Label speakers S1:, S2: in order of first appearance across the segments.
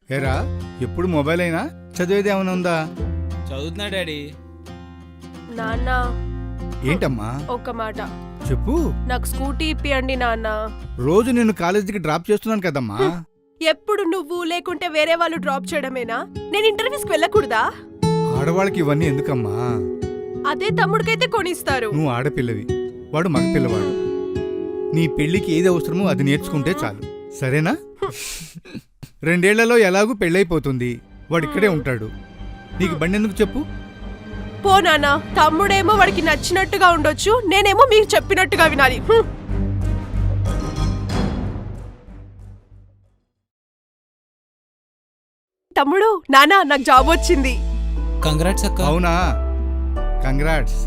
S1: ఏరా ఎప్పుడు మొబైల్ అయినా చదివేది ఏమైనా ఉందా?
S2: చదువుతున్నా డాడీ.
S3: నాన్న
S1: ఏంటమ్మా
S3: ఒక్క మాట,
S1: చెప్పు.
S3: నాకు స్కూటీ ఇప్పియండి నాన్న.
S1: రోజు నేను కాలేజీకి డ్రాప్ చేస్తున్నాను కదమ్మా.
S3: ఎప్పుడు నువ్వు లేకుంటే వేరే వాళ్ళు డ్రాప్ చేయడమేనా? నేను ఇంటర్వ్యూస్కి వెళ్ళకూడదా?
S1: ఆడవాళ్ళకి ఇవన్నీ ఎందుకమ్మా?
S3: అదే తమ్ముడికైతే కొనిస్తారు.
S1: నువ్వు ఆడపిల్లవి, వాడు మగపిల్లవాడు. నీ పెళ్లికి ఏది అవసరమో అది నేర్చుకుంటే చాలు, సరేనా? 2 ఏళ్లలో ఎలాగూ పెళ్ళైపోతుంది, వాడు ఇక్కడే ఉంటాడు. నీకు బండి ఎందుకు చెప్పు?
S3: పో నాన్న, తమ్ముడేమో వాడికి నచ్చినట్టుగా ఉండొచ్చు, నేనేమో మీరు చెప్పినట్టుగా వినాలి. తమ్ముడు, నాన్న నాకు జాబ్ వచ్చింది.
S2: కంగ్రాట్స్ అక్క.
S1: అవునా, కంగ్రాట్స్.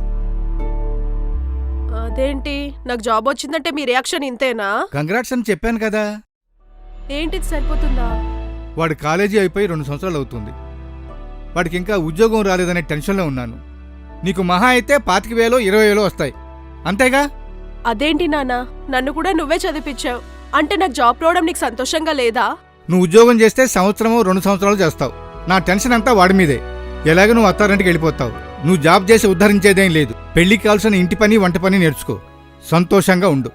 S3: అదేంటి, నాకు జాబ్ వచ్చిందంటే మీ రియాక్షన్ ఇంతేనా?
S1: కంగ్రాట్స్ అని చెప్పాను కదా.
S3: ఏంటిది సరిపోతుందా?
S1: వాడు కాలేజీ అయిపోయి 2 సంవత్సరాలు అవుతుంది. వాడికి ఇంకా ఉద్యోగం రాలేదనే టెన్షన్లో ఉన్నాను. నీకు మహా అయితే 25,000 20,000 వస్తాయి, అంతేగా?
S3: అదేంటి నాన్న, నన్ను కూడా నువ్వే చదివించావు, అంటే నాకు జాబ్ రావడం నీకు సంతోషంగా లేదా?
S1: నువ్వు ఉద్యోగం చేస్తే 1-2 సంవత్సరాలు చేస్తావు. నా టెన్షన్ అంతా వాడి మీదే. ఎలాగ నువ్వు అత్తారింటికి వెళ్ళిపోతావు. నువ్వు జాబ్ చేసి ఉద్ధరించేదేం లేదు. పెళ్లికి కావాల్సిన ఇంటి పని వంట పని నేర్చుకో, సంతోషంగా ఉండు.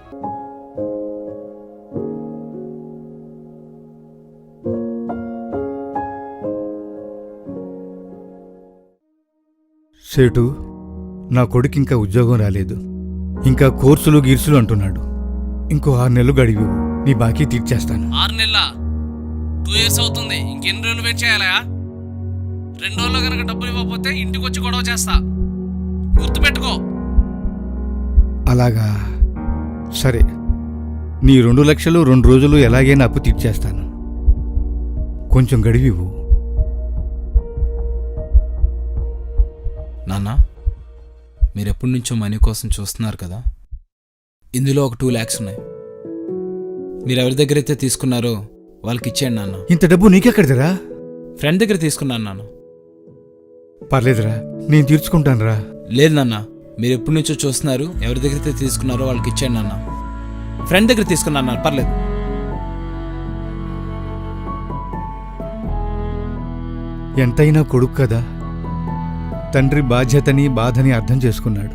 S1: సేటు, నా కొడుకు ఇంకా ఉద్యోగం రాలేదు, ఇంకా కోర్సులు గీర్సులు అంటున్నాడు. ఇంకో 6 నెలలు గడివి, నీ బాకీ తీర్చేస్తాను.
S2: 6 నెలల 2 years అవుతుంది. ఇంకెన్ని రోజులు వెయిట్ చేయాలా? 2 రోజుల్లో కనుక డబ్బులు ఇవ్వకపోతే ఇంటికి వచ్చి గొడవ చేస్తా, గుర్తుపెట్టుకో.
S1: అలాగా, సరే. నీ 2 లక్షలు 2 రోజులు ఎలాగైనా అప్పు తీర్చేస్తాను. కొంచెం గడివివు.
S2: నాన్న, మీరెప్పటి నుంచో మనీ కోసం చూస్తున్నారు కదా. ఇందులో ఒక 2 lakhs ఉన్నాయి. మీరు ఎవరి దగ్గర అయితే తీసుకున్నారో వాళ్ళకి ఇచ్చేయండి నాన్న.
S1: ఇంత డబ్బు నీకెక్కడిదిరా?
S2: ఫ్రెండ్ దగ్గర తీసుకున్నాను నాన్న.
S1: పర్లేదురా, నేను తీర్చుకుంటానురా.
S2: లేదు నాన్న, మీరు ఎప్పటి నుంచో చూస్తున్నారు, ఎవరి దగ్గర అయితే తీసుకున్నారో వాళ్ళకి ఇచ్చేయండి నాన్న. ఫ్రెండ్ దగ్గర తీసుకున్నాను నాన్న, పర్లేదు.
S1: ఎంతైనా కొడుకు కదా, తండ్రి బాధ్యతని బాధని అర్థం చేసుకున్నాడు.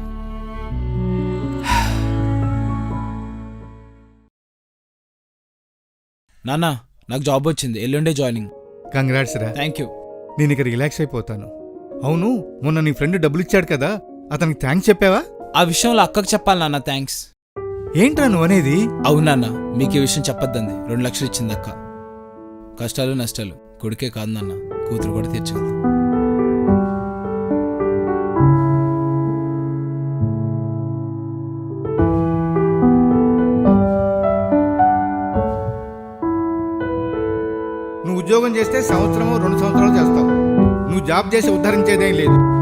S2: నాన్న, నాకు జాబ్ వచ్చింది, ఎల్లుండే జాయినింగ్.
S1: కంగ్రాట్స్ రా.
S2: Thank you.
S1: నేను ఇక రిలాక్స్ అయిపోతాను. అవును, మొన్న నీ ఫ్రెండ్ డబ్బులు ఇచ్చాడు కదా, అతనికి థ్యాంక్స్ చెప్పావా?
S2: ఆ విషయంలో అక్కకు చెప్పాలి నాన్న థ్యాంక్స్.
S1: ఏంట్రా నువ్వు అనేది?
S2: అవునాన్న, మీకు ఈ విషయం చెప్పొద్దంది. 2 లక్షలు ఇచ్చింది అక్క. కష్టాలు నష్టాలు కొడుకే కాదు నాన్న, కూతురు కూడా తీర్చగలదు.
S1: నువ్వు ఉద్యోగం చేస్తే 1-2 సంవత్సరాలు చేస్తావు. నువ్వు జాబ్ చేసి ఉద్ధరించేదేం లేదు.